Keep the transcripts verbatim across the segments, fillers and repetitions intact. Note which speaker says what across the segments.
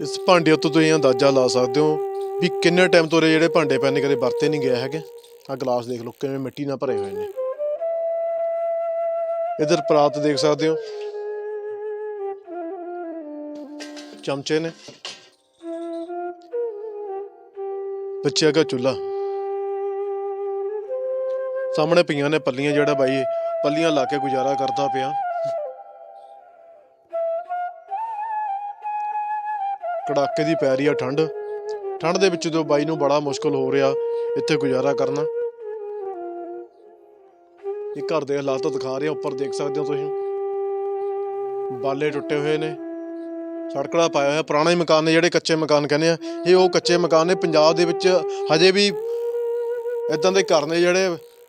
Speaker 1: इस भांडे उत्तों तुसीं अंदाजा ला सकते हो भी किन्ने टाइम तो ਜਿਹੜੇ ਭਾਂਡੇ ਪਏ ਨੇ ਕਦੇ ਵਰਤੇ ਨਹੀਂ ਗਏ ਹੈਗੇ। ਆ ਗਲਾਸ ਦੇਖ ਲਓ ਕਿਵੇਂ ਮਿੱਟੀ ਨਾਲ ਭਰੇ ਹੋਏ ਨੇ। ਇਧਰ ਪਰਾਤ ਦੇਖ ਸਕਦੇ ਹੋ, ਚਮਚੇ ਨੇ, ਬੱਚਿਆਂ ਦਾ ਚੁੱਲ੍ਹਾ, ਸਾਹਮਣੇ ਪਈਆਂ ਨੇ ਪੱਲੀਆਂ, ਜਿਹੜਾ ਬਾਈ ਪੱਲੀਆਂ ਲਾ ਕੇ ਗੁਜ਼ਾਰਾ ਕਰਦਾ ਪਿਆ। ਕੜਾਕੇ ਦੀ ਪੈ ਰਹੀ ਆ ਠੰਡ, ਠੰਡ ਦੇ ਵਿੱਚ ਜੋ ਬਾਈ ਨੂੰ ਬੜਾ ਮੁਸ਼ਕਲ ਹੋ ਰਿਹਾ ਇੱਥੇ ਗੁਜ਼ਾਰਾ ਕਰਨਾ। ਇਹ ਘਰ ਦੇ ਹਾਲਾਤ ਦਿਖਾ ਰਿਹਾ, ਉੱਪਰ ਦੇਖ ਸਕਦੇ ਹੋ ਤੁਸੀਂ, ਬਾਲੇ ਟੁੱਟੇ ਹੋਏ ਨੇ, ਸੜਕੜਾ ਪਾਇਆ ਹੋਇਆ। ਪੁਰਾਣੇ ਮਕਾਨ ਨੇ, ਜਿਹੜੇ ਕੱਚੇ ਮਕਾਨ ਕਹਿੰਦੇ ਆ, ਇਹ ਉਹ ਕੱਚੇ ਮਕਾਨ ਨੇ। ਪੰਜਾਬ ਦੇ ਵਿੱਚ ਹਜੇ ਵੀ ਇੱਦਾਂ ਦੇ ਘਰ ਨੇ ਜਿਹੜੇ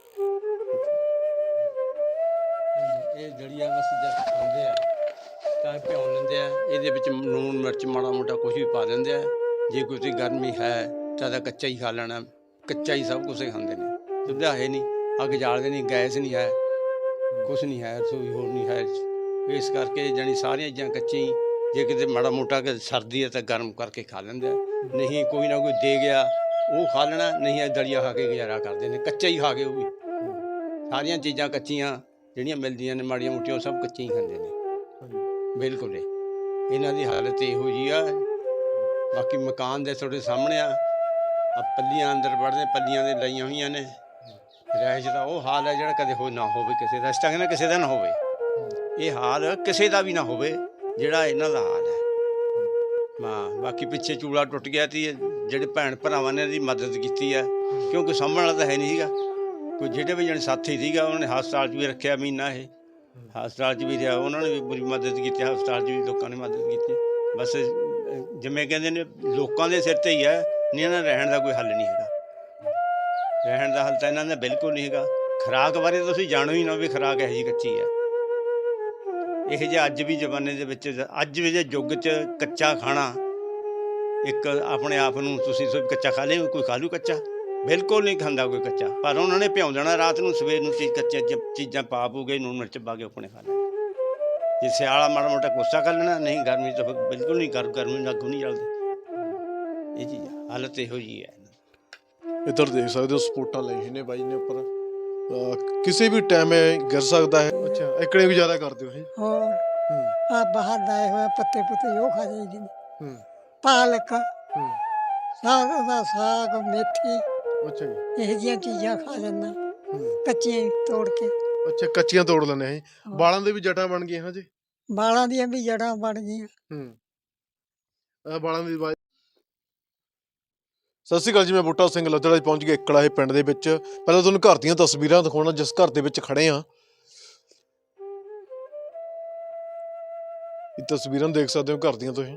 Speaker 2: ਇਹ ਜੜੀਆਂ ਬਸ ਜਦ ਖਾਂਦੇ ਆ ਤਾਂ ਭਿਉਂ ਲੈਂਦੇ ਆ, ਇਹਦੇ ਵਿੱਚ ਲੂਣ ਮਿਰਚ ਮਾੜਾ ਮੋਟਾ ਕੁਛ ਵੀ ਪਾ ਦਿੰਦੇ ਆ। ਜੇ ਕੋਈ ਗਰਮੀ ਹੈ ਤਾਂ ਤਾਂ ਕੱਚਾ ਹੀ ਖਾ ਲੈਣਾ, ਕੱਚਾ ਹੀ ਸਭ ਕੁਛ ਖਾਂਦੇ ਨੇ। ਚੁੱਲ੍ਹਾ ਹੈ ਨਹੀਂ, ਅੱਗ ਜਾਲਦੇ ਨਹੀਂ, ਗੈਸ ਨਹੀਂ ਹੈ, ਕੁਛ ਨਹੀਂ ਹੈ, ਰਸੋਈ ਹੋਰ ਨਹੀਂ ਹੈ। ਇਸ ਕਰਕੇ ਜਾਣੀ ਸਾਰੀਆਂ ਚੀਜ਼ਾਂ ਕੱਚੀਆਂ ਹੀ। ਜੇ ਕਿਤੇ ਮਾੜਾ ਮੋਟਾ ਕਿ ਸਰਦੀ ਹੈ ਤਾਂ ਗਰਮ ਕਰਕੇ ਖਾ ਲੈਂਦੇ ਆ, ਨਹੀਂ ਕੋਈ ਨਾ ਕੋਈ ਦੇ ਗਿਆ ਉਹ ਖਾ ਲੈਣਾ, ਨਹੀਂ ਇਹ ਦਲੀਆ ਖਾ ਕੇ ਗੁਜ਼ਾਰਾ ਕਰਦੇ ਨੇ, ਕੱਚਾ ਹੀ ਖਾ ਕੇ। ਉਹ ਵੀ ਸਾਰੀਆਂ ਚੀਜ਼ਾਂ ਕੱਚੀਆਂ ਜਿਹੜੀਆਂ ਮਿਲਦੀਆਂ ਨੇ ਮਾੜੀਆਂ ਮੋਟੀਆਂ, ਉਹ ਸਭ ਕੱਚੀਆਂ ਹੀ ਖਾਂਦੇ ਨੇ ਬਿਲਕੁਲ। ਇਹਨਾਂ ਦੀ ਹਾਲਤ ਇਹੋ ਜਿਹੀ ਆ। ਬਾਕੀ ਮਕਾਨ ਦੇ ਤੁਹਾਡੇ ਸਾਹਮਣੇ ਆ, ਆ ਪੱਲੀਆਂ ਅੰਦਰ ਵੜਦੇ, ਪੱਲੀਆਂ ਦੇ ਲਾਈਆਂ ਹੋਈਆਂ ਨੇ। ਰਿਹਾਇਸ਼ ਦਾ ਉਹ ਹਾਲ ਹੈ ਜਿਹੜਾ ਕਦੇ ਹੋ ਨਾ ਹੋਵੇ ਕਿਸੇ ਦਾ। ਇਸ ਤਰ੍ਹਾਂ ਕਹਿੰਦਾ ਕਿਸੇ ਦਾ ਨਾ ਹੋਵੇ, ਇਹ ਹਾਲ ਕਿਸੇ ਦਾ ਵੀ ਨਾ ਹੋਵੇ ਜਿਹੜਾ ਇਹਨਾਂ ਦਾ ਹਾਲ ਹੈ। ਹਾਂ, ਬਾਕੀ ਪਿੱਛੇ ਚੂਲਾ ਟੁੱਟ ਗਿਆ ਸੀ, ਜਿਹੜੇ ਭੈਣ ਭਰਾਵਾਂ ਨੇ ਇਹਦੀ ਮਦਦ ਕੀਤੀ ਹੈ, ਕਿਉਂਕਿ ਸਾਂਭਣ ਵਾਲਾ ਤਾਂ ਹੈ ਨਹੀਂ ਸੀਗਾ ਕੋਈ। ਜਿਹੜੇ ਵੀ ਜਣੇ ਸਾਥੀ ਸੀਗਾ ਉਹਨਾਂ ਨੇ ਹਸਪਤਾਲ 'ਚ ਵੀ ਰੱਖਿਆ ਮਹੀਨਾ, ਇਹ ਹਸਪਤਾਲ 'ਚ ਵੀ ਰਿਹਾ, ਉਹਨਾਂ ਨੇ ਵੀ ਪੂਰੀ ਮਦਦ ਕੀਤੀ। ਹਸਪਤਾਲ 'ਚ ਵੀ ਲੋਕਾਂ ਨੇ ਮਦਦ ਕੀਤੀ। ਬਸ ਜਿਵੇਂ ਕਹਿੰਦੇ ਨੇ ਲੋਕਾਂ ਦੇ ਸਿਰ 'ਤੇ ਹੀ ਹੈ, ਨਹੀਂ ਇਹਨਾਂ ਦਾ ਰਹਿਣ ਦਾ ਕੋਈ ਹੱਲ ਨਹੀਂ ਹੈਗਾ। ਰਹਿਣ ਦਾ ਹੱਲ ਤਾਂ ਇਹਨਾਂ ਦਾ ਬਿਲਕੁਲ ਨਹੀਂ ਹੈਗਾ। ਖੁਰਾਕ ਬਾਰੇ ਤੁਸੀਂ ਜਾਣੋ ਹੀ ਨਾ ਵੀ ਖੁਰਾਕ ਇਹੋ ਜਿਹੀ ਕੱਚੀ ਹੈ। ਇਹੋ ਜਿਹੇ ਅੱਜ ਵੀ ਜ਼ਮਾਨੇ ਦੇ ਵਿੱਚ, ਅੱਜ ਵੀ ਦੇ ਯੁੱਗ 'ਚ ਕੱਚਾ ਖਾਣਾ ਇੱਕ ਆਪਣੇ ਆਪ ਨੂੰ ਤੁਸੀਂ ਕੱਚਾ ਖਾ ਲਿਓ, ਕੋਈ ਖਾ ਲੂ ਕੱਚਾ? ਬਿਲਕੁਲ ਨਹੀਂ ਖਾਂਦਾ ਕੋਈ ਕੱਚਾ। ਪਰ ਉਹਨਾਂ ਨੇ ਭਿਉਂ ਦੇਣਾ ਰਾਤ ਨੂੰ, ਸਵੇਰ ਨੂੰ ਚੀਜ਼ ਕੱਚੀਆਂ ਚੀਜ਼ਾਂ ਪਾ ਪੂ ਕੇ ਲੂਣ ਮਿਰਚ ਪਾ ਕੇ ਆਪਣੇ ਖਾ ਲੈਣਾ। ਜੇ ਸਿਆਲਾ ਮਾੜਾ ਮੋਟਾ ਕੋਸਾ ਕਰ ਲੈਣਾ, ਨਹੀਂ ਗਰਮੀ ਤਾਂ ਬਿਲਕੁਲ ਨਹੀਂ, ਕਰ ਗਰਮੀ ਨੂੰ ਅੱਗ ਨਹੀਂ ਜਲਦੀ। ਇਹ ਚੀਜ਼ ਹਾਲਤ ਇਹੋ ਜਿਹੀ ਹੈ।
Speaker 1: ਇੱਧਰ ਦੇਖ ਸਕਦੇ ਹੋ ਸਪੋਰਟਾਂ ਲਈ ਨੇ ਬਾਈ ਨੇ ਉੱਪਰ, ਕਿਸੇ ਵੀ ਟਾਈਮ ਗਿਰ ਸਕਦਾ ਹੈ। ਅੱਛਾ, ਇਕੜੇ ਗੁਜ਼ਾਰਾ ਕਰਦੇ ਹੋ?
Speaker 3: ਹੋਰ ਆ ਬਾਹਰ ਲਾਏ ਹੋਏ ਪੱਤੇ ਪੁੱਤੇ ਉਹ ਖਾ ਜਾਈਦੇ ਨੇ। ਪਾਲਕ, ਸਾਗ ਦਾ ਸਾਗ, ਮੇਥੀ,
Speaker 1: ਅੱਛਾ ਜੀ,
Speaker 3: ਇਹੋ ਜਿਹੀਆਂ ਚੀਜ਼ਾਂ ਖਾ ਲੈਂਦਾ ਕੱਚੀਆਂ ਤੋੜ ਕੇ।
Speaker 1: ਅੱਛਾ, ਕੱਚੀਆਂ ਤੋੜ ਲੈਂਦੇ ਹੈ। ਬਾਲਾਂ ਦੇ ਵੀ ਜਟਾਂ ਬਣ ਗਈਆਂ ਹਾਂ ਜੀ?
Speaker 3: ਬਾਲਾਂ ਦੀਆਂ ਵੀ ਜੜ੍ਹਾਂ ਬਣ ਗਈਆਂ।
Speaker 1: ਹੂੰ, ਬਾਲਾਂ ਦੀ ਬਾਤ। ਸਤਿ ਸ਼੍ਰੀ ਅਕਾਲ ਜੀ, ਮੈਂ ਬੂਟਾ ਸਿੰਘ ਲੱਦੜਾ ਪਹੁੰਚ ਗਿਆ ਇਕੜਾ ਇਹ ਪਿੰਡ ਦੇ ਵਿੱਚ। ਪਹਿਲਾਂ ਤੁਹਾਨੂੰ ਘਰ ਦੀਆਂ ਤਸਵੀਰਾਂ ਦਿਖਾਉਣਾ, ਜਿਸ ਘਰ ਦੇ ਵਿੱਚ ਖੜੇ ਹਾਂ। ਇਹ ਤਸਵੀਰਾਂ ਦੇਖ ਸਕਦੇ ਹੋ ਘਰ ਦੀਆਂ ਤੁਸੀਂ।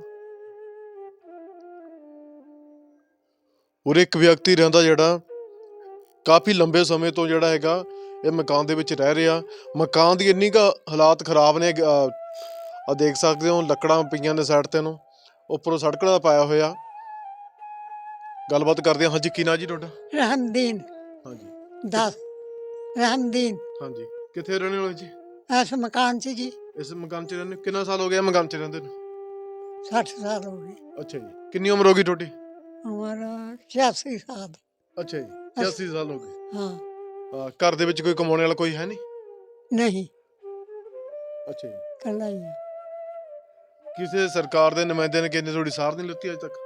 Speaker 1: ਉਰੇ ਇੱਕ ਵਿਅਕਤੀ ਰਹਿੰਦਾ ਜਿਹੜਾ ਕਾਫੀ ਲੰਬੇ ਸਮੇਂ ਤੋਂ ਜਿਹੜਾ ਹੈਗਾ ਇਹ ਮਕਾਨ ਦੇ ਵਿੱਚ ਰਹਿ ਰਿਹਾ। ਮਕਾਨ ਦੀ ਇੰਨੀ ਕੁ ਹਾਲਾਤ ਖਰਾਬ ਨੇ, ਆ ਦੇਖ ਸਕਦੇ ਹੋ ਲੱਕੜਾਂ ਪਈਆਂ ਨੇ ਸਾਈਡ ਤੇ ਨੂੰ, ਉੱਪਰੋਂ ਸੜਕ ਦਾ ਪਾਇਆ ਹੋਇਆ। ਗੱਲਬਾਤ ਕਰਦੇ ਹਾਂ। ਹਾਂਜੀ, ਕੀ ਨਾਂ ਜੀ ਤੁਹਾਡਾ?
Speaker 3: ਰਹਿਮਦੀਨ।
Speaker 1: ਹਾਂਜੀ,
Speaker 3: ਦਸ ਰਹਿਮਦੀਨ।
Speaker 1: ਹਾਂਜੀ, ਕਿੱਥੇ ਰਹਿਣੇ ਵਾਲੇ ਜੀ?
Speaker 3: ਇਸ ਮਕਾਨ 'ਚ ਜੀ।
Speaker 1: ਇਸ ਮਕਾਨ 'ਚ ਰਹਿੰਦੇ ਕਿੰਨਾ ਸਾਲ ਹੋ ਗਿਆ ਮਕਾਨ 'ਚ ਰਹਿੰਦੇ ਨੂੰ?
Speaker 3: ਸੱਠ ਸਾਲ ਹੋ ਗਏ।
Speaker 1: ਅੱਛਾ ਜੀ, ਕਿੰਨੀ ਉਮਰ ਹੋ ਗਈ ਤੁਹਾਡੀ?
Speaker 3: ਉਮਰ ਛਿਆਸੀ ਸਾਲ।
Speaker 1: ਅੱਛਾ ਜੀ, ਛਿਆਸੀ ਸਾਲ ਹੋ ਗਏ।
Speaker 3: ਹਾਂ।
Speaker 1: ਹਾਂ, ਘਰ ਦੇ ਵਿੱਚ ਕੋਈ ਕਮਾਉਣੇ ਵਾਲਾ ਕੋਈ ਹੈ ਨਹੀਂ?
Speaker 3: ਨਹੀਂ,
Speaker 1: ਅੱਛਾ ਜੀ,
Speaker 3: ਇਕੱਲਾ ਹੀ ਆ।
Speaker 1: ਕਿਸੇ ਸਰਕਾਰ ਦੇ ਨੁਮਾਇੰਦੇ ਨੇ ਕਿੰਨੀ ਤੁਹਾਡੀ ਸਾਰ ਨਹੀਂ ਲਿੱਤੀ ਅਜੇ ਤੱਕ?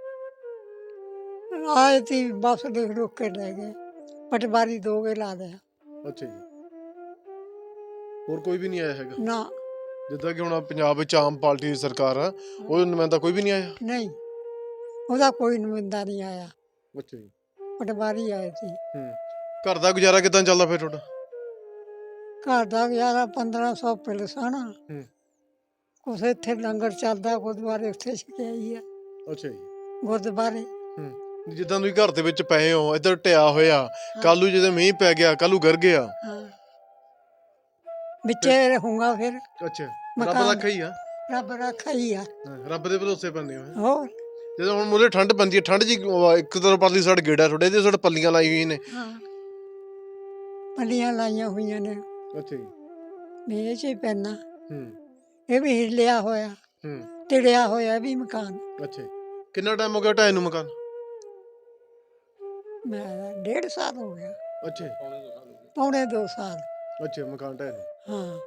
Speaker 3: ਆਏ ਤੀ ਬਸ ਦੇਖ ਰੁਕ ਕੇ ਲੈ ਗਏ, ਪਟਵਾਰੀ ਦੋ ਗੇ ਲਾ ਦਿਆ।
Speaker 1: ਅੱਛਾ ਜੀ, ਹੋਰ ਕੋਈ ਵੀ ਨਹੀਂ ਆਇਆ ਹੈਗਾ?
Speaker 3: ਨਾ,
Speaker 1: ਜਿੱਦਾਂ ਕਿ ਹੁਣ ਪੰਜਾਬ ਵਿੱਚ ਆਮ ਪਾਰਟੀ ਦੀ ਸਰਕਾਰ ਆ, ਉਹ ਨੁਮਾਇੰਦਾ ਕੋਈ ਵੀ ਨਹੀਂ ਆਇਆ?
Speaker 3: ਨਹੀਂ, ਉਹਦਾ ਕੋਈ ਨੁਮਾਇੰਦਾ ਨਹੀਂ ਆਇਆ,
Speaker 1: ਅੱਛਾ ਜੀ,
Speaker 3: ਪਟਵਾਰੀ ਆਏ ਸੀ।
Speaker 1: ਹੂੰ, ਘਰ ਦਾ ਗੁਜ਼ਾਰਾ ਕਿੱਦਾਂ ਚੱਲਦਾ ਫਿਰ ਤੁਹਾਡਾ?
Speaker 3: ਘਰ ਦਾ ਗੁਜ਼ਾਰਾ ਪੰਦਰਾਂ ਸੌ ਪਿਲਸਣ,
Speaker 1: ਹੂੰ,
Speaker 3: ਕੁਛ ਇੱਥੇ ਲੰਗਰ ਚੱਲਦਾ, ਗੁਰਦੁਆਰੇ ਉੱਥੇ ਛਕਿਆਈ ਆ।
Speaker 1: ਅੱਛਾ ਜੀ,
Speaker 3: ਗੁਰਦੁਆਰੇ।
Speaker 1: ਹੂੰ, ਜਿੱਦਾਂ ਤੁਸੀਂ ਘਰ ਦੇ ਵਿੱਚ ਪਏ ਹੋ, ਇੱਧਰ ਢਿਆ ਹੋਇਆ, ਕੱਲ੍ਹ ਨੂੰ ਜਦੋਂ ਮੀਂਹ ਪੈ ਗਿਆ, ਕੱਲ੍ਹ ਨੂੰ ਗਿਰ ਗਿਆ।
Speaker 3: ਹਾਂ, ਵਿੱਚੇ ਰਹੂੰਗਾ ਫਿਰ।
Speaker 1: ਅੱਛਾ, ਰੱਬ ਰੱਖਾ ਹੀ ਆ।
Speaker 3: ਰੱਬ ਰੱਖਾ ਹੀ ਆ।
Speaker 1: ਰੱਬ ਦੇ ਭਰੋਸੇ ਪੈਂਦੇ ਹੋ।
Speaker 3: ਹੋਰ
Speaker 1: ਜਦੋਂ ਹੁਣ ਮੂਹਰੇ ਠੰਡ ਪੈਂਦੀ ਹੈ, ਠੰਡ ਜੀ ਇੱਕ ਤਰ੍ਹਾਂ ਪਰਲੀ ਸਾਈਡ ਗੇੜਾ ਤੁਹਾਡੇ ਤੇ ਸਾਡੇ ਪੱਲੀਆਂ ਲਾਈ ਹੋਈਆਂ ਨੇ।
Speaker 3: ਹਾਂ, ਪੱਲੀਆਂ ਲਾਈਆਂ ਹੋਈਆਂ ਨੇ।
Speaker 1: ਅੱਛਾ ਜੀ,
Speaker 3: ਮੇਰੇ 'ਚ ਹੀ ਪੈਣਾ।
Speaker 1: ਹੂੰ,
Speaker 3: ਇਹ ਵੀ ਹਿੱਲਿਆ ਹੋਇਆ।
Speaker 1: ਹੂੰ,
Speaker 3: ਤਿੜਿਆ ਹੋਇਆ ਵੀ ਮਕਾਨ।
Speaker 1: ਅੱਛਾ ਜੀ। ਕਿੰਨਾ ਟਾਈਮ ਹੋ ਗਿਆ ਢਾਏ ਨੂੰ ਮਕਾਨ?
Speaker 3: ਮੈਂ ਡੇਢ ਸਾਲ ਹੋ ਗਿਆ,
Speaker 1: ਅੱਛਾ ਜੀ।
Speaker 3: ਪੌਣੇ ਦੋ ਸਾਲ।
Speaker 1: ਅੱਛਾ ਮਕਾਨ ਢਾਏ ਨੂੰ।
Speaker 3: ਹਾਂ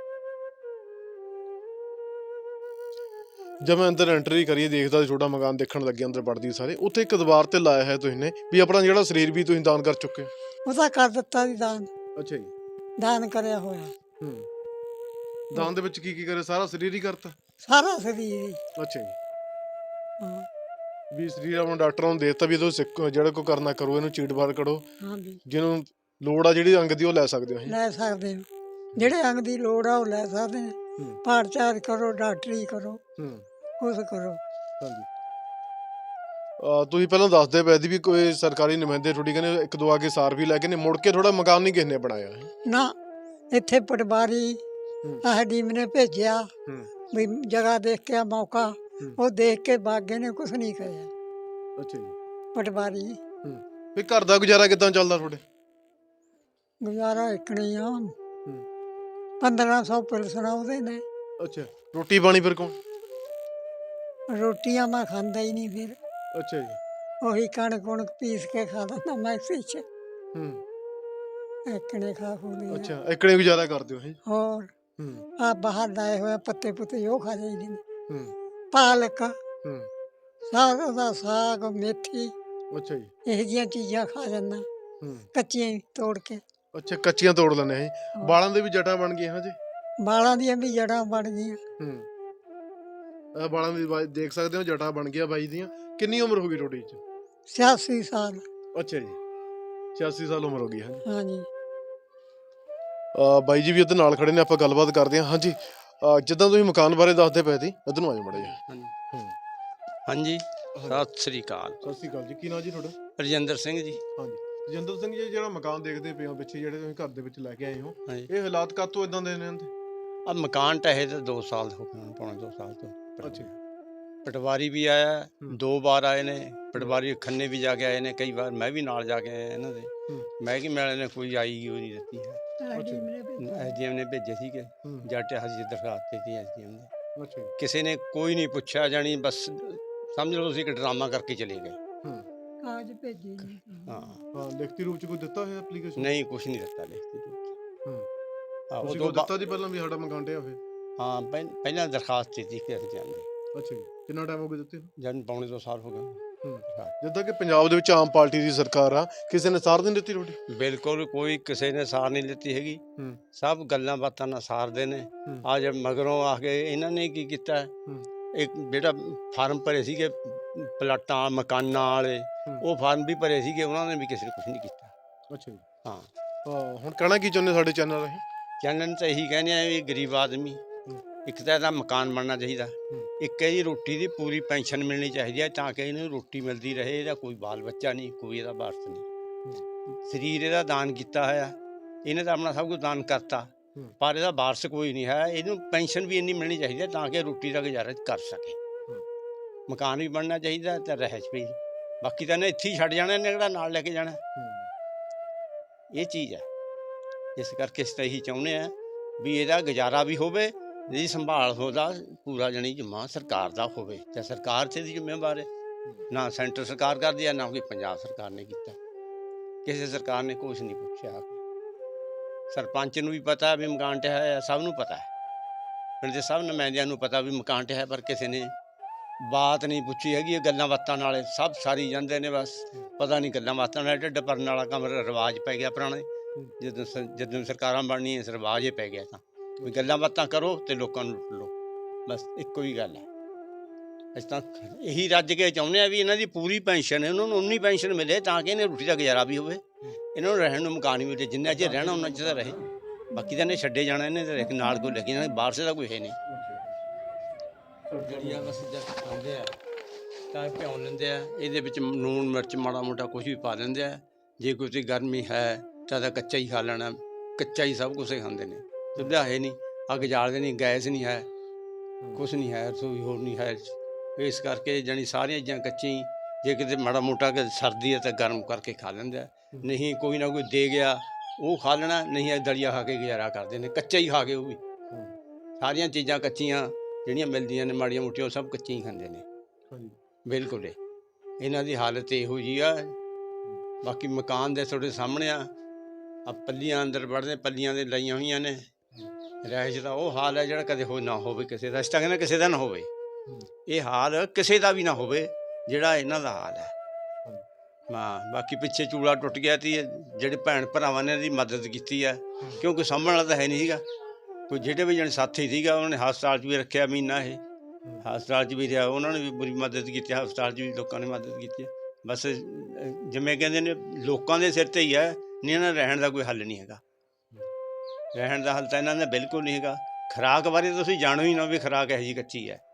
Speaker 1: ਜਦ ਮੈਂ ਅੰਦਰ ਐਂਟਰੀ ਕਰੀ ਦੇਖਦਾ ਸੀ ਛੋਟਾ ਮਕਾਨ ਦੇਖਣ ਲੱਗੇ ਅੰਦਰ ਵੜਦੀ ਸਾਰੇ ਉੱਥੇ ਇੱਕ ਦੀਵਾਰ ਤੇ ਲਾਇਆ ਹੈ ਤੁਸੀਂ ਨੇ ਵੀ ਆਪਣਾ ਜਿਹੜਾ ਸਰੀਰ ਵੀ ਤੁਸੀਂ ਦਾਨ ਕਰ ਚੁੱਕੇ ਹੋ।
Speaker 3: ਉਹਦਾ ਕਰ ਦਿੱਤਾ ਸੀ ਦਾਨ,
Speaker 1: ਅੱਛਾ ਜੀ।
Speaker 3: ਦਾਨ ਕਰਿਆ ਹੋਇਆ
Speaker 1: ਹੂੰ। ਦਾਨ ਦੇ ਵਿੱਚ ਕੀ ਕੀ ਕਰੇ? ਸਾਰਾ ਸਰੀਰ ਹੀ ਕਰਤਾ?
Speaker 3: ਸਾਰਾ ਸਰੀਰ ਹੀ।
Speaker 1: ਅੱਛਾ ਜੀ।
Speaker 3: ਹਾਂ
Speaker 1: ਵੀ ਸਰੀਰ ਆਪਣਾ ਡਾਕਟਰਾਂ ਨੂੰ ਦੇ ਦਿੱਤਾ ਵੀ ਇਹਦੋਂ ਸਿੱਖੋ, ਜਿਹੜਾ ਕੋਈ ਕਰਨਾ ਕਰੋ, ਇਹਨੂੰ ਚੀਟ ਬਾਰ ਕਰੋ,
Speaker 3: ਹਾਂਜੀ
Speaker 1: ਜਿਹਨੂੰ ਲੋੜ ਆ ਜਿਹੜੀ ਅੰਗ ਦੀ ਉਹ ਲੈ ਸਕਦੇ ਹੋ ਅਸੀਂ।
Speaker 3: ਲੈ ਸਕਦੇ ਹੋ, ਜਿਹੜੇ ਅੰਗ ਦੀ ਲੋੜ ਆ ਉਹ ਲੈ ਸਕਦੇ ਨੇ।
Speaker 1: ਹੂੰ
Speaker 3: ਪਾਠ ਚਾਰ ਕਰੋ, ਡਾਕਟਰੀ ਕਰੋ,
Speaker 1: ਹੂੰ
Speaker 3: ਕੁਛ ਕਰੋ।
Speaker 1: ਹਾਂਜੀ। ਅਹ ਤੁਸੀਂ ਪਹਿਲਾਂ ਦੱਸਦੇ ਪਏ ਸੀ ਵੀ ਕੋਈ ਸਰਕਾਰੀ ਨੁਮਾਇੰਦੇ ਥੋੜੀ ਕਹਿੰਦੇ ਇੱਕ ਦੋ ਆ ਕੇ ਸਾਰ ਵੀ ਲੈ ਕੇ ਨੇ ਮੁੜ ਕੇ ਥੋੜਾ ਮਕਾਨ ਨਹੀਂ ਕਿਸੇ ਨੇ ਬਣਾਇਆ ਹੈ।
Speaker 3: ਨਾ ਇੱਥੇ ਪਟਵਾਰੀ
Speaker 1: ਹੂੰ
Speaker 3: ਆਹ ਡੀਮ ਨੇ ਭੇਜਿਆ
Speaker 1: ਹੂੰ
Speaker 3: ਵੀ ਜਗ੍ਹਾ ਦੇਖ ਕੇ ਆ ਮੌਕਾ,
Speaker 1: ਹੂੰ।
Speaker 3: ਉਹ ਦੇਖ ਕੇ ਬਾਗੇ ਨੇ ਕੁਛ ਨਹੀਂ ਕਰਿਆ
Speaker 1: ਅੱਛਾ ਜੀ।
Speaker 3: ਪਟਵਾਰੀ।
Speaker 1: ਹੂੰ। ਵੀ ਘਰ ਦਾ ਗੁਜ਼ਾਰਾ ਕਿੱਦਾਂ ਚੱਲਦਾ ਤੁਹਾਡੇ?
Speaker 3: ਗੁਜ਼ਾਰਾ ਇਕਣੀ ਆ,
Speaker 1: ਹੂੰ।
Speaker 3: ਪੰਦਰਾਂ ਸੌ ਪਿਲਸਣਾ ਉਹਦੇ ਨੇ।
Speaker 1: ਅੱਛਾ। ਰੋਟੀ ਪਾਣੀ ਫਿਰ ਕੌਣ?
Speaker 3: ਰੋਟੀਆਂ ਮੈਂ ਖਾਂਦਾ ਹੀ ਨਹੀਂ, ਫਿਰ
Speaker 1: ਅੱਛਾ ਜੀ।
Speaker 3: ਉਹੀ ਕਣਕ ਕੁਣਕ ਪੀਸ ਕੇ ਖਾ ਲੈਂਦਾ ਮੈਕਸੀ ਚ,
Speaker 1: ਹੂੰ।
Speaker 3: ਇਕਣੇ ਖਾ ਖੂ ਲਈ।
Speaker 1: ਅੱਛਾ ਇਕੜੇ ਗੁਜ਼ਾਰਾ ਕਰਦੇ ਹੋ ਹੈ?
Speaker 3: ਹੋਰ
Speaker 1: ਹੂੰ
Speaker 3: ਆ ਬਾਹਰ ਲਾਏ ਹੋਏ ਪੱਤੇ ਪੁੱਤੇ ਉਹ ਖਾ ਜਾਈਦੇ ਨੇ।
Speaker 1: ਹੂੰ
Speaker 3: ਪਾਲਕ,
Speaker 1: ਹੂੰ।
Speaker 3: ਸਾਗ ਦਾ ਸਾਗ, ਮੇਥੀ,
Speaker 1: ਅੱਛਾ ਜੀ।
Speaker 3: ਇਹੋ ਜਿਹੀਆਂ ਚੀਜ਼ਾਂ ਖਾ ਜਾਂਦਾ,
Speaker 1: ਹੂੰ।
Speaker 3: ਕੱਚੀਆਂ ਹੀ ਤੋੜ ਕੇ।
Speaker 1: ਅੱਛਾ ਕੱਚੀਆਂ ਤੋੜ ਲੈਂਦੇ ਹੈ? ਬਾਲਾਂ ਦੇ ਵੀ ਜਟਾਂ ਬਣ ਗਈਆਂ ਹਜੇ?
Speaker 3: ਬਾਲਾਂ ਦੀਆਂ ਵੀ ਜੜ੍ਹਾਂ ਬਣ ਗਈਆਂ।
Speaker 1: ਹੂੰ। ਇਹ ਬਾਲਾਂ ਦੀ ਬਾਈ ਦੇਖ ਸਕਦੇ ਹੋ ਜਟਾਂ ਬਣ ਗਿਆ ਬਾਈ ਦੀਆਂ। ਕਿੰਨੀ ਉਮਰ ਹੋ ਗਈ ਤੁਹਾਡੀ ਚ?
Speaker 3: ਛਿਆਸੀ ਸਾਲ।
Speaker 1: ਅੱਛਾ ਜੀ। ਛਿਆਸੀ ਸਾਲ ਉਮਰ ਹੋ ਗਈ ਹੈ।
Speaker 3: ਹਾਂਜੀ
Speaker 1: ਅਹ ਬਾਈ ਜੀ ਵੀ ਉਹਦੇ ਨਾਲ ਖੜੇ ਨੇ, ਆਪਾਂ ਗੱਲਬਾਤ ਕਰਦੇ ਹਾਂ। ਹਾਂਜੀ ਅਹ ਜਿੱਦਾਂ ਤੁਸੀਂ ਮਕਾਨ ਬਾਰੇ ਦੱਸਦੇ ਪਏ ਸੀ, ਇੱਧਰ ਨੂੰ ਆ ਜਾਓ ਮਾੜਾ ਜਿਹਾ।
Speaker 2: ਹਾਂਜੀ
Speaker 1: ਹੂੰ।
Speaker 2: ਹਾਂਜੀ ਸਤਿ ਸ੍ਰੀ ਅਕਾਲ।
Speaker 1: ਸਤਿ ਸ਼੍ਰੀ ਅਕਾਲ ਜੀ। ਕੀ ਨਾਂ ਜੀ ਤੁਹਾਡਾ?
Speaker 2: ਰਜਿੰਦਰ ਸਿੰਘ ਜੀ।
Speaker 1: ਹਾਂਜੀ ਰਜਿੰਦਰ ਸਿੰਘ ਜੀ, ਜਿਹੜਾ ਮਕਾਨ ਦੇਖਦੇ ਪਏ ਹੋ ਪਿੱਛੇ ਜਿਹੜੇ ਤੁਸੀਂ ਘਰ ਦੇ ਵਿੱਚ ਲੈ ਕੇ ਆਏ ਹੋ,
Speaker 2: ਹਾਂਜੀ
Speaker 1: ਇਹ ਹਾਲਾਤ ਕਾਹਤੋਂ ਇਦਾਂ ਦੇ ਨੇ ਇਹਦੇ?
Speaker 2: ਆ ਮਕਾਨ ਢਹਿ ਤੇ ਦੋ ਸਾਲ ਹੋ ਗਏ ਹੁਣ, ਪੌਣੇ ਦੋ ਸਾਲ ਤੋਂ।
Speaker 1: ਅੱਛਾ।
Speaker 2: ਪਟਵਾਰੀ ਵੀ ਆਇਆ,
Speaker 1: ਹੂੰ।
Speaker 2: ਦੋ ਵਾਰ ਆਏ ਨੇ ਪਟਵਾਰੀ, ਖੰਨੇ ਵੀ ਜਾ ਕੇ ਆਏ ਨੇ ਕਈ ਵਾਰ, ਮੈਂ ਵੀ ਨਾਲ ਜਾ ਕੇ ਆਇਆ ਇਹਨਾਂ ਦੇ।
Speaker 1: ਹੂੰ।
Speaker 2: ਮਹਿਕਮੇ ਵਾਲੇ ਨੇ ਕੋਈ ਆਈ ਉਹ ਨਹੀਂ ਦਿੱਤੀ ਹੈ।
Speaker 1: ਅੱਛਾ।
Speaker 2: ਐਸਡੀਐਮ ਨੇ ਭੇਜੇ ਸੀਗੇ,
Speaker 1: ਹੂੰ।
Speaker 2: ਜੱਟ ਹਜੀ ਦਰਖਾਸਤ ਦਿੱਤੀ ਐਸਡੀਐਮ ਨੇ,
Speaker 1: ਅੱਛਾ ਜੀ।
Speaker 2: ਕਿਸੇ ਨੇ ਕੋਈ ਨਹੀਂ ਪੁੱਛਿਆ, ਜਾਣੀ ਬਸ ਸਮਝ ਲਓ ਤੁਸੀਂ ਕਿ ਡਰਾਮਾ ਕਰਕੇ ਚਲੇ ਗਏ।
Speaker 1: ਹੂੰ।
Speaker 3: ਕਾਗਜ਼ ਭੇਜੇ ਨਹੀਂ।
Speaker 2: ਹਾਂ
Speaker 1: ਹਾਂ ਲਿਖਤੀ ਰੂਪ ਚ ਕੋਈ ਦਿੱਤਾ ਹੋਇਆ ਐਪਲੀਕੇਸ਼ਨ?
Speaker 2: ਨਹੀਂ ਕੁਛ ਨਹੀਂ ਦਿੱਤਾ ਲਿਖਤੀ ਰੂਪ ਚ।
Speaker 1: ਹੂੰ।
Speaker 2: ਹਾਂ,
Speaker 1: ਤੁਸੀਂ
Speaker 2: ਉਦੋਂ
Speaker 1: ਕੋਈ ਦਿੱਤਾ ਜੀ ਪਹਿਲਾਂ ਵੀ ਸਾਡਾ ਮਕਾਨ ਢਿਆ ਹੋਇਆ?
Speaker 2: ਹਾਂ ਪਹਿ- ਪਹਿਲਾਂ ਦਰਖਾਸਤ ਦਿੱਤੀ ਕਿ ਅਸੀਂ ਜਾਂਦੇ,
Speaker 1: ਅੱਛਾ ਜੀ। ਕਿੰਨਾ ਟਾਈਮ ਹੋ ਗਿਆ ਦਿੱਤੇ ਨੂੰ?
Speaker 2: ਜਦ ਪੌਣੇ ਦੋ ਸਾਲ ਹੋ ਗਏ।
Speaker 1: ਹੂੰ।
Speaker 2: ਹਾਂ।
Speaker 1: ਜਿੱਦਾਂ ਕਿ ਪੰਜਾਬ ਦੇ ਵਿੱਚ ਆਮ ਪਾਰਟੀ ਦੀ ਸਰਕਾਰ ਆ, ਕਿਸੇ ਨੇ ਸਾਰ ਨਹੀਂ ਦਿੱਤੀ ਤੁਹਾਡੀ?
Speaker 2: ਬਿਲਕੁਲ ਕੋਈ ਕਿਸੇ ਨੇ ਸਾਰ ਨਹੀਂ ਲਿੱਤੀ ਹੈਗੀ,
Speaker 1: ਹੂੰ।
Speaker 2: ਸਭ ਗੱਲਾਂ ਬਾਤਾਂ ਨਾਲ ਸਾਰਦੇ ਨੇ।
Speaker 1: ਹੂੰ।
Speaker 2: ਆ ਜਦ ਮਗਰੋਂ ਆ ਕੇ ਇਹਨਾਂ ਨੇ ਕੀ ਕੀਤਾ,
Speaker 1: ਹੂੰ।
Speaker 2: ਇੱਕ ਜਿਹੜਾ ਫਾਰਮ ਭਰੇ ਸੀਗੇ ਪਲਾਟਾਂ ਮਕਾਨਾਂ ਵਾਲੇ,
Speaker 1: ਹੂੰ।
Speaker 2: ਉਹ ਫਾਰਮ ਵੀ ਭਰੇ ਸੀਗੇ, ਉਹਨਾਂ ਨੇ ਵੀ ਕਿਸੇ ਨੇ ਕੁਛ ਨਹੀਂ ਕੀਤਾ।
Speaker 1: ਅੱਛਾ ਜੀ।
Speaker 2: ਹਾਂ
Speaker 1: ਹਾਂ ਹੁਣ ਕਹਿਣਾ ਕੀ ਚਾਹੁੰਦੇ ਸਾਡੇ ਚੈਨਲ ਰਾਹੀਂ?
Speaker 2: ਚੈਨਲ ਤਾਂ ਇਹੀ ਕਹਿੰਦੇ ਆ ਵੀ ਗਰੀਬ ਆਦਮੀ,
Speaker 1: ਹੂੰ।
Speaker 2: ਇੱਕ ਤਾਂ ਇਹਦਾ ਮਕਾਨ ਬਣਨਾ ਚਾਹੀਦਾ,
Speaker 1: ਹੂੰ।
Speaker 2: ਇੱਕ ਇਹਦੀ ਰੋਟੀ ਦੀ ਪੂਰੀ ਪੈਨਸ਼ਨ ਮਿਲਣੀ ਚਾਹੀਦੀ ਹੈ ਤਾਂ ਕਿ ਇਹਨੂੰ ਰੋਟੀ ਮਿਲਦੀ ਰਹੇ, ਇਹਦਾ ਕੋਈ ਬਾਲ ਬੱਚਾ ਨਹੀਂ, ਕੋਈ ਇਹਦਾ ਵਾਰਸ ਨਹੀਂ। ਸਰੀਰ ਇਹਦਾ ਦਾਨ ਕੀਤਾ ਹੋਇਆ, ਇਹਨੇ ਤਾਂ ਆਪਣਾ ਸਭ ਕੁਝ ਦਾਨ ਕਰਤਾ,
Speaker 1: ਹੂੰ।
Speaker 2: ਪਰ ਇਹਦਾ ਵਾਰਸ ਕੋਈ ਨਹੀਂ ਹੈ। ਇਹਨੂੰ ਪੈਨਸ਼ਨ ਵੀ ਇੰਨੀ ਮਿਲਣੀ ਚਾਹੀਦੀ ਹੈ ਤਾਂ ਕਿ ਰੋਟੀ ਦਾ ਗੁਜ਼ਾਰਾ ਕਰ ਸਕੇ।
Speaker 1: ਹੂੰ।
Speaker 2: ਮਕਾਨ ਵੀ ਬਣਨਾ ਚਾਹੀਦਾ ਤੇ ਰਹਿਸ਼ ਵੀ, ਬਾਕੀ ਤਾਂ ਇਹਨੇ ਇੱਥੇ ਹੀ ਛੱਡ ਜਾਣਾ, ਇਹਨੇ ਕਿਹੜਾ ਨਾਲ ਲੈ ਕੇ ਜਾਣਾ,
Speaker 1: ਹੂੰ।
Speaker 2: ਇਹ ਚੀਜ਼ ਹੈ। ਇਸ ਕਰਕੇ ਅਸੀਂ ਤਾਂ ਇਹੀ ਚਾਹੁੰਦੇ ਹਾਂ ਵੀ ਇਹਦਾ ਗੁਜ਼ਾਰਾ ਵੀ ਹੋਵੇ, ਇਹਦੀ ਸੰਭਾਲ ਉਹਦਾ ਪੂਰਾ ਜਣੀ ਜਮਾ ਸਰਕਾਰ ਦਾ ਹੋਵੇ, ਤੇ ਸਰਕਾਰ 'ਤੇ ਦੀ ਜ਼ਿੰਮੇਵਾਰ ਹੈ, ਨਾ ਸੈਂਟਰ ਸਰਕਾਰ ਕਰਦੀ ਹੈ ਨਾ ਕੋਈ ਪੰਜਾਬ ਸਰਕਾਰ ਨੇ ਕੀਤਾ, ਕਿਸੇ ਸਰਕਾਰ ਨੇ ਕੁਛ ਨਹੀਂ ਪੁੱਛਿਆ। ਸਰਪੰਚ ਨੂੰ ਵੀ ਪਤਾ ਵੀ ਮਕਾਨ ਢਹਿ ਹੈ, ਸਭ ਨੂੰ ਪਤਾ ਹੈ, ਪਿੰਡ ਦੇ ਸਭ ਨੁਮਾਇੰਦਿਆਂ ਨੂੰ ਪਤਾ ਵੀ ਮਕਾਨ ਢਹਿ ਹੈ, ਪਰ ਕਿਸੇ ਨੇ ਬਾਤ ਨਹੀਂ ਪੁੱਛੀ ਹੈਗੀ। ਇਹ ਗੱਲਾਂ ਬਾਤਾਂ ਨਾਲ ਸਭ ਸਾਰੀ ਜਾਂਦੇ ਨੇ, ਬਸ ਪਤਾ ਨਹੀਂ ਗੱਲਾਂ ਬਾਤਾਂ ਨਾਲ ਢਿੱਡ ਭਰਨ ਵਾਲਾ ਕੰਮ ਰਿਵਾਜ ਪੈ ਗਿਆ ਪੁਰਾਣੇ। ਜਦੋਂ ਸ ਜਦੋਂ ਸਰਕਾਰਾਂ ਬਣਨੀਆਂ ਰਿਵਾਜ ਹੀ ਪੈ ਗਿਆ, ਤਾਂ ਵੀ ਗੱਲਾਂ ਬਾਤਾਂ ਕਰੋ ਤੇ ਲੋਕਾਂ ਨੂੰ ਲੁੱਟ ਲਓ, ਬਸ ਇੱਕੋ ਹੀ ਗੱਲ ਹੈ। ਅਸੀਂ ਤਾਂ ਇਹੀ ਰੱਜ ਕੇ ਚਾਹੁੰਦੇ ਹਾਂ ਵੀ ਇਹਨਾਂ ਦੀ ਪੂਰੀ ਪੈਨਸ਼ਨ, ਇਹਨਾਂ ਨੂੰ ਉਨੀ ਪੈਨਸ਼ਨ ਮਿਲੇ ਤਾਂ ਕਿ ਇਹਨੇ ਰੋਟੀ ਦਾ ਗੁਜ਼ਾਰਾ ਵੀ ਹੋਵੇ, ਇਹਨਾਂ ਨੂੰ ਰਹਿਣ ਨੂੰ ਮਕਾਨ ਵੀ ਮਿਲੇ, ਜਿੰਨਾ ਚਿਰ ਰਹਿਣਾ ਉਹਨਾਂ ਚਿਰ ਤਾਂ ਰਹੇ, ਬਾਕੀ ਤਾਂ ਇਹਨੇ ਛੱਡੇ ਜਾਣਾ, ਇਹਨੇ ਤਾਂ ਨਾਲ ਕੋਈ ਲੱਗੀ ਜਾਣਾ, ਬਾਹਰ ਸੇ ਦਾ ਕੋਈ ਹੈ ਨਹੀਂ। ਜਿਹੜੀ ਆ ਬਸ ਜਦ ਖਾਂਦੇ ਆ ਤਾਂ ਭਿਉਂ ਲੈਂਦੇ ਆ, ਇਹਦੇ ਵਿੱਚ ਲੂਣ ਮਿਰਚ ਮਾੜਾ ਮੋਟਾ ਕੁਛ ਵੀ ਪਾ ਦਿੰਦੇ ਆ, ਜੇ ਕੋਈ ਗਰਮੀ ਹੈ ਤਾਂ ਤਾਂ ਕੱਚਾ ਹੀ ਖਾ ਲੈਣਾ, ਕੱਚਾ ਹੀ ਸਭ ਕੁਛ ਖਾਂਦੇ ਨੇ, ਸੁਵਿਧਾ ਹੈ ਨਹੀਂ, ਅੱਗ ਜਾਲਦੇ ਨਹੀਂ, ਗੈਸ ਨਹੀਂ ਹੈ, ਕੁਛ ਨਹੀਂ ਹੈ, ਰਸੋਈ ਹੋਰ ਨਹੀਂ ਹੈ, ਇਸ ਕਰਕੇ ਜਾਣੀ ਸਾਰੀਆਂ ਚੀਜ਼ਾਂ ਕੱਚੀਆਂ ਹੀ, ਜੇ ਕਿਤੇ ਮਾੜਾ ਮੋਟਾ ਕਿ ਸਰਦੀ ਹੈ ਤਾਂ ਗਰਮ ਕਰਕੇ ਖਾ ਲੈਂਦੇ ਆ, ਨਹੀਂ ਕੋਈ ਨਾ ਕੋਈ ਦੇ ਗਿਆ ਉਹ ਖਾ ਲੈਣਾ, ਨਹੀਂ ਦਲੀਆ ਖਾ ਕੇ ਗੁਜ਼ਾਰਾ ਕਰਦੇ ਨੇ, ਕੱਚਾ ਹੀ ਖਾ ਕੇ ਉਹ ਵੀ, ਸਾਰੀਆਂ ਚੀਜ਼ਾਂ ਕੱਚੀਆਂ ਜਿਹੜੀਆਂ ਮਿਲਦੀਆਂ ਨੇ ਮਾੜੀਆਂ ਮੋਟੀਆਂ ਉਹ ਸਭ ਕੱਚੀਆਂ ਹੀ ਖਾਂਦੇ ਨੇ
Speaker 1: ਹਾਂਜੀ
Speaker 2: ਬਿਲਕੁਲ ਇਹ। ਇਹਨਾਂ ਦੀ ਹਾਲਤ ਇਹੋ ਜਿਹੀ ਆ। ਬਾਕੀ ਮਕਾਨ ਦੇ ਤੁਹਾਡੇ ਸਾਹਮਣੇ ਆ ਆ ਪੱਲੀਆਂ ਅੰਦਰ ਵੜਦੇ, ਪੱਲੀਆਂ ਦੇ ਲਾਈਆਂ ਹੋਈਆਂ ਨੇ। ਰਿਹਾਇਸ਼ ਦਾ ਉਹ ਹਾਲ ਹੈ ਜਿਹੜਾ ਕਦੇ ਹੋ ਨਾ ਹੋਵੇ ਕਿਸੇ ਦਾ। ਅਸੀਂ ਤਾਂ ਕਹਿੰਦੇ ਕਿਸੇ ਦਾ ਨਾ ਹੋਵੇ, ਇਹ ਹਾਲ ਕਿਸੇ ਦਾ ਵੀ ਨਾ ਹੋਵੇ ਜਿਹੜਾ ਇਹਨਾਂ ਦਾ ਹਾਲ ਹੈ। ਹਾਂ ਬਾਕੀ ਪਿੱਛੇ ਚੂਲਾ ਟੁੱਟ ਗਿਆ ਤੀ, ਜਿਹੜੇ ਭੈਣ ਭਰਾਵਾਂ ਨੇ ਇਹਦੀ ਮਦਦ ਕੀਤੀ ਹੈ, ਕਿਉਂਕਿ ਸਾਂਭਣ ਵਾਲਾ ਤਾਂ ਹੈ ਨਹੀਂ ਸੀਗਾ ਕੋਈ। ਜਿਹੜੇ ਵੀ ਜਣੇ ਸਾਥੀ ਸੀਗਾ ਉਹਨਾਂ ਨੇ ਹਸਪਤਾਲ 'ਚ ਵੀ ਰੱਖਿਆ ਮਹੀਨਾ, ਇਹ ਹਸਪਤਾਲ 'ਚ ਵੀ ਰਿਹਾ, ਉਹਨਾਂ ਨੇ ਵੀ ਬੜੀ ਮਦਦ ਕੀਤੀ। ਹਸਪਤਾਲ 'ਚ ਵੀ ਲੋਕਾਂ ਨੇ ਮਦਦ ਕੀਤੀ ਹੈ। ਬਸ ਅਹ, ਜਿਵੇਂ ਕਹਿੰਦੇ ਨੇ ਲੋਕਾਂ ਦੇ ਸਿਰ 'ਤੇ ਹੀ ਹੈ, ਨਹੀਂ ਇਹਨਾਂ ਦਾ ਰਹਿਣ ਦਾ ਕੋਈ ਹੱਲ ਨਹੀਂ ਹੈਗਾ। ਰਹਿਣ ਦਾ ਹੱਲ ਤਾਂ ਇਹਨਾਂ ਦਾ ਬਿਲਕੁਲ ਨਹੀਂ ਹੈਗਾ। ਖੁਰਾਕ ਬਾਰੇ ਤੁਸੀਂ ਜਾਣੋ ਹੀ ਨਾ ਵੀ ਖੁਰਾਕ ਇਹੋ ਜਿਹੀ ਕੱਚੀ ਹੈ।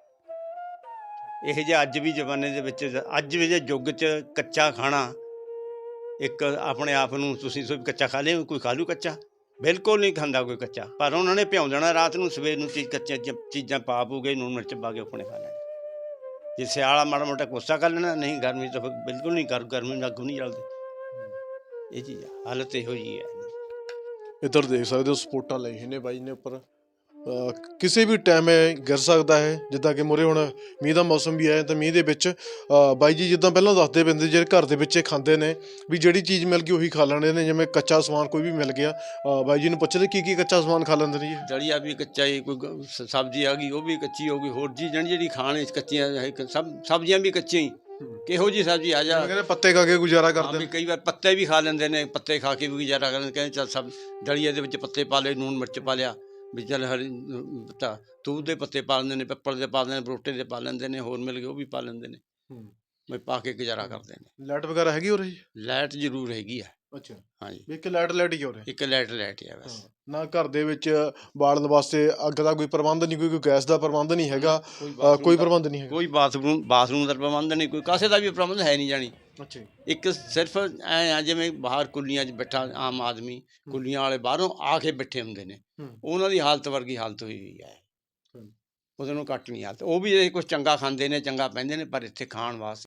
Speaker 2: ਇਹ ਜਿਹੇ ਅੱਜ ਵੀ ਜ਼ਮਾਨੇ ਦੇ ਵਿੱਚ, ਅੱਜ ਵੀ ਜੇ ਯੁੱਗ 'ਚ ਕੱਚਾ ਖਾਣਾ ਇੱਕ ਆਪਣੇ ਆਪ ਨੂੰ ਤੁਸੀਂ ਸੋ ਕੱਚਾ ਖਾ ਲਿਓ, ਕੋਈ ਖਾ ਲੂ ਕੱਚਾ? ਬਿਲਕੁਲ ਨਹੀਂ ਖਾਂਦਾ ਕੋਈ ਕੱਚਾ। ਪਰ ਉਹਨਾਂ ਨੇ ਭਿਉਂ ਦੇਣਾ ਰਾਤ ਨੂੰ, ਸਵੇਰ ਨੂੰ ਚੀਜ਼ ਕੱਚੀਆਂ ਚ- ਚੀਜ਼ਾਂ ਪਾ ਪੂ ਕੇ ਨੂਣ ਮਿਰਚ ਪਾ ਕੇ ਆਪਣੇ ਖਾ ਲੈਣੇ। ਜੇ ਸਿਆਲਾ ਮਾੜਾ ਮੋਟਾ ਕੋਸਾ ਕਰ ਲੈਣਾ, ਨਹੀਂ ਗਰਮੀ ਤਾਂ ਫਿਰ ਬਿਲਕੁਲ ਨਹੀਂ। ਕਰ ਗਰਮੀ ਅੱਗ ਨਹੀਂ ਜਲਦੀ। ਇਹ ਚੀਜ਼ ਆ, ਹਾਲਤ ਇਹੋ ਜਿਹੀ ਹੈ।
Speaker 1: ਇੱਧਰ ਦੇਖ ਸਕਦੇ ਹੋ ਸਪੋਰਟਾਂ ਲਈ ਨੇ ਬਾਈ ਨੇ ਉੱਪਰ। ਅਹ ਕਿਸੇ ਵੀ ਟਾਈਮ ਇਹ ਗਿਰ ਸਕਦਾ ਹੈ। ਜਿੱਦਾਂ ਕਿ ਮੂਹਰੇ ਹੁਣ ਮੀਂਹ ਦਾ ਮੌਸਮ ਵੀ ਆਇਆ ਤਾਂ ਮੀਂਹ ਦੇ ਵਿੱਚ ਅਹ ਬਾਈ ਜੀ ਜਿੱਦਾਂ ਪਹਿਲਾਂ ਦੱਸਦੇ ਪੈਂਦੇ ਜਿਹੜੇ ਘਰ ਦੇ ਵਿੱਚ ਇਹ ਖਾਂਦੇ ਨੇ ਵੀ ਜਿਹੜੀ ਚੀਜ਼ ਮਿਲ ਗਈ ਉਹੀ ਖਾ ਲੈਂਦੇ ਨੇ। ਜਿਵੇਂ ਕੱਚਾ ਸਮਾਨ ਕੋਈ ਵੀ ਮਿਲ ਗਿਆ, ਅਹ ਬਾਈ ਜੀ ਨੂੰ ਪੁੱਛਦੇ ਕੀ ਕੀ ਕੱਚਾ ਸਮਾਨ ਖਾ ਲੈਂਦੇ ਨੇ ਜੀ?
Speaker 2: ਦਲੀਆ ਵੀ ਕੱਚਾ ਹੀ, ਕੋਈ ਗ- ਸ- ਸਬਜ਼ੀ ਆ ਗਈ ਉਹ ਵੀ ਕੱਚੀ ਹੋ ਗਈ। ਹੋਰ ਜੀ ਜਿਹੜੀ ਜਿਹੜੀ ਖਾਣ ਵਿੱਚ ਕੱਚੀਆਂ ਹੈ, ਕ- ਸਭ ਸਬਜ਼ੀਆਂ ਵੀ ਕੱਚੀਆਂ ਹੀ। ਕਿਹੋ ਜੀ ਸਬਜ਼ੀ ਆ ਜਾ,
Speaker 1: ਕਹਿੰਦੇ ਪੱਤੇ ਖਾ ਕੇ ਗੁਜ਼ਾਰਾ
Speaker 2: ਹਾਂ
Speaker 1: ਕਰਦੇ
Speaker 2: ਵੀ
Speaker 1: ਨੇ।
Speaker 2: ਕਈ ਵਾਰ ਪੱਤੇ ਵੀ ਖਾ ਲੈਂਦੇ ਨੇ, ਪੱਤੇ ਖਾ ਕੇ ਵੀ ਗੁਜ਼ਾਰਾ ਕਰਦੇ ਨੇ। ਕਹਿੰਦੇ ਚੱਲ ਸਭ ਦਲੀਏ ਦੇ ਵਿੱਚ ਪੱਤੇ ਪਾ ਲਏ, ਨੂਣ ਮਿਰਚ ਪਾ ਲਿਆ, ਵੀ ਚੱਲ ਹਰੀ ਤਾਂ ਤੂਤ ਦੇ ਪੱਤੇ ਪਾ ਲੈਂਦੇ ਨੇ, ਪਿੱਪਲ ਦੇ ਪਾ ਲੈਂਦੇ ਨੇ, ਬਰੋਟੇ ਦੇ ਪਾ ਲੈਂਦੇ ਨੇ, ਹੋਰ ਮਿਲ ਗਏ ਉਹ ਵੀ ਪਾ ਲੈਂਦੇ ਨੇ, ਵੀ ਪਾ ਕੇ ਗੁਜ਼ਾਰਾ ਕਰਦੇ ਨੇ।
Speaker 1: ਲਾਈਟ ਵਗੈਰਾ ਹੈਗੀ ਹੋ ਰਹੀ?
Speaker 2: ਲਾਈਟ ਜ਼ਰੂਰ ਹੈਗੀ ਆ।
Speaker 1: ਅੱਛਾ,
Speaker 2: ਹਾਂਜੀ
Speaker 1: ਵੀ ਇੱਕ ਲਾਈਟ ਲਾਈਟ ਹੀ ਹੋ ਰਹੀ?
Speaker 2: ਇੱਕ ਲਾਈਟ ਲਾਈਟ ਆ ਬਸ।
Speaker 1: ਨਾ ਘਰ ਦੇ ਵਿੱਚ ਬਾਲਣ ਵਾਸਤੇ ਅੱਗ ਦਾ ਕੋਈ ਪ੍ਰਬੰਧ ਨਹੀਂ, ਕੋਈ ਕੋਈ ਗੈਸ ਦਾ ਪ੍ਰਬੰਧ ਨਹੀਂ ਹੈਗਾ,
Speaker 2: ਕੋਈ
Speaker 1: ਅਹ
Speaker 2: ਬਾਥਰੂਮ
Speaker 1: ਕੋਈ
Speaker 2: ਦਾ-
Speaker 1: ਪ੍ਰਬੰਧ ਨਹੀਂ ਹੈਗਾ।
Speaker 2: ਕੋਈ ਬਾਥਰੂਮ ਬਾਥਰੂਮ ਦਾ ਪ੍ਰਬੰਧ ਨਹੀਂ, ਕੋਈ ਕਾਸੇ ਦਾ ਵੀ ਪ੍ਰਬੰਧ ਹੈ ਨਹੀਂ ਜਾਣੀ।
Speaker 1: ਅੱਛਾ ਜੀ।
Speaker 2: ਇੱਕ ਸਿਰਫ ਐ ਆ ਜਿਵੇਂ ਬਾਹਰ ਕੁੱਲੀਆਂ 'ਚ ਬੈਠਾ ਆਮ ਆਦਮੀ, ਕੁੱਲੀਆਂ ਵਾਲੇ ਬਾਹਰੋਂ ਆ ਕੇ ਬੈਠੇ ਹੁੰਦੇ ਨੇ,
Speaker 1: ਹੂੰ।
Speaker 2: ਉਹਨਾਂ ਦੀ ਹਾਲਤ ਵਰਗੀ ਹਾਲਤ ਹੋਈ ਹੋਈ ਹੈ।
Speaker 1: ਹੂੰ।
Speaker 2: ਉਹਦੇ ਨੂੰ ਘੱਟ ਨਹੀਂ ਹਾਲਤ। ਉਹ ਵੀ ਇਹ ਕੁਛ ਚੰਗਾ ਖਾਂਦੇ ਨੇ, ਚੰਗਾ ਪੈਂਦੇ ਨੇ, ਪਰ ਇੱਥੇ ਖਾਣ ਵਾਸਤੇ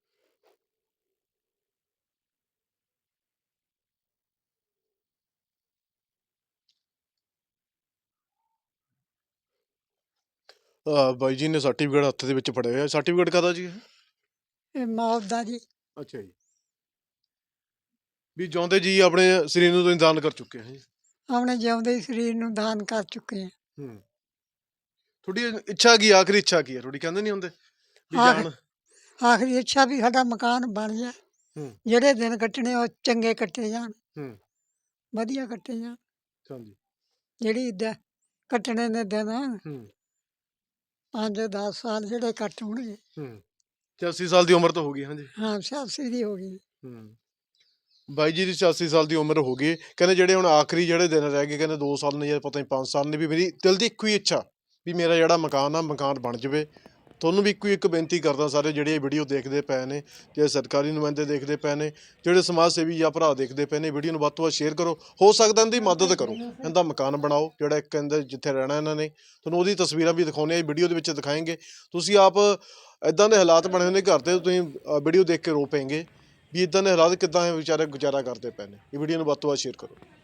Speaker 1: ਅਹ ਬਾਈ ਜੀ ਨੇ ਸਰਟੀਫਿਕੇਟ ਹੱਥ ਦੇ ਵਿੱਚ ਫੜਿਆ ਹੋਇਆ। ਸਰਟੀਫਿਕੇਟ ਕਾਹਦਾ ਜੀ ਇਹ?
Speaker 3: ਇਹ ਮੌਤ ਦਾ ਜੀ।
Speaker 1: ਅੱਛਾ ਜੀ। ਵੀ ਜਿਉਂਦੇ ਜੀ ਆਪਣੇ ਸਰੀਰ ਨੂੰ ਤੁਸੀਂ ਦਾਨ ਕਰ ਚੁੱਕੇ ਹੋ ਜੀ।
Speaker 3: ਆਪਣੇ ਜਿਉਂਦੇ ਹੀ ਸਰੀਰ ਨੂੰ ਦਾਨ ਕਰ ਚੁੱਕੇ ਹਾਂ।
Speaker 1: ਹੂੰ। ਤੁਹਾਡੀ ਇੱਛਾ ਕੀ, ਆਖਰੀ ਇੱਛਾ ਕੀ ਹੈ ਤੁਹਾਡੀ? ਕਹਿੰਦੇ ਨਹੀਂ ਹੁੰਦੇ ਵੀ
Speaker 3: ਆਖ-
Speaker 1: ਜਾਨ।
Speaker 3: ਆਖਰੀ ਇੱਛਾ ਵੀ ਸਾਡਾ ਮਕਾਨ ਬਣ ਜਾਏ,
Speaker 1: ਹੂੰ।
Speaker 3: ਜਿਹੜੇ ਦਿਨ ਕੱਟਣੇ ਉਹ ਚੰਗੇ ਕੱਟੇ ਜਾਣ,
Speaker 1: ਹੂੰ।
Speaker 3: ਵਧੀਆ ਕੱਟੇ ਜਾਣ।
Speaker 1: ਹਾਂਜੀ।
Speaker 3: ਜਿਹੜੀ ਦ ਕੱਟਣੇ ਦੇ ਦਿਨ
Speaker 1: ਹੂੰ।
Speaker 3: ਪੰਜ ਦਸ ਸਾਲ ਜਿਹੜੇ ਕੱਟ ਹੋਣਗੇ।
Speaker 1: ਹੂੰ। ਛਿਆਸੀ ਸਾਲ ਦੀ ਉਮਰ ਤਾਂ ਹੋ ਗਈ। ਹਾਂਜੀ।
Speaker 3: ਹਾਂ ਸਿਆਸੀ ਦੀ ਹੋ ਗਈ।
Speaker 1: ਹੂੰ। ਬਾਈ ਜੀ ਦੀ ਛਿਆਸੀ ਸਾਲ ਦੀ ਉਮਰ ਹੋ ਗਈ। ਕਹਿੰਦੇ ਜਿਹੜੇ ਹੁਣ ਆਖਰੀ ਜਿਹੜੇ ਦਿਨ ਰਹਿ ਗਏ, ਕਹਿੰਦੇ ਦੋ ਸਾਲ ਨੇ ਜਾਂ ਪਤਾ ਨਹੀਂ ਪੰਜ ਸਾਲ ਨੇ, ਵੀ ਮੇਰੀ ਦਿਲ ਦੀ ਇੱਕੋ ਹੀ ਇੱਛਾ ਵੀ ਮੇਰਾ ਜਿਹੜਾ ਮਕਾਨ ਆ ਮਕਾਨ ਬਣ ਜਾਵੇ। ਤੁਹਾਨੂੰ ਵੀ ਇੱਕੋ ਹੀ ਇੱਕ ਬੇਨਤੀ ਕਰਦਾ, ਸਾਰੇ ਜਿਹੜੇ ਇਹ ਵੀਡੀਓ ਦੇਖਦੇ ਪਏ ਨੇ, ਜਿਹੜੇ ਸਰਕਾਰੀ ਨੁਮਾਇੰਦੇ ਦੇਖਦੇ ਪਏ ਨੇ, ਜਿਹੜੇ ਸਮਾਜ ਸੇਵੀ ਜਾਂ ਭਰਾ ਦੇਖਦੇ ਪਏ ਨੇ, ਵੀਡੀਓ ਨੂੰ ਵੱਧ ਤੋਂ ਵੱਧ ਸ਼ੇਅਰ ਕਰੋ। ਹੋ ਸਕਦਾ ਇਹਦੀ ਮਦਦ ਕਰੋ, ਇਹਦਾ ਮਕਾਨ ਬਣਾਓ ਜਿਹੜਾ ਇੱਕ ਕਹਿੰਦੇ ਜਿੱਥੇ ਰਹਿਣਾ ਇਹਨਾਂ ਨੇ। ਤੁਹਾਨੂੰ ਉਹਦੀ ਤਸਵੀਰਾਂ ਵੀ ਦਿਖਾਉਂਦੇ ਆ, ਵੀਡੀਓ ਦੇ ਵਿੱਚ ਦਿਖਾਏਂਗੇ। ਤੁਸੀਂ ਆਪ ਇੱਦਾਂ ਦੇ ਹਾਲਾਤ ਬਣੇ ਹੋਏ ਨੇ ਘਰ ਤੇ, ਤੁਸੀਂ ਵੀਡੀਓ ਦੇਖ ਕੇ ਰੋ ਪੈਂਗੇ ਵੀ ਇੱਦਾਂ ਦੇ ਹਾਲਾਤ ਕਿੱਦਾਂ ਇਹ ਵਿਚਾਰੇ ਗੁਜ਼ਾਰਾ ਕਰਦੇ ਪਏ ਨੇ। ਇਹ ਵੀਡੀਓ ਨੂੰ ਵੱਧ ਤੋਂ ਵੱਧ ਸ਼ੇਅਰ ਕਰੋ।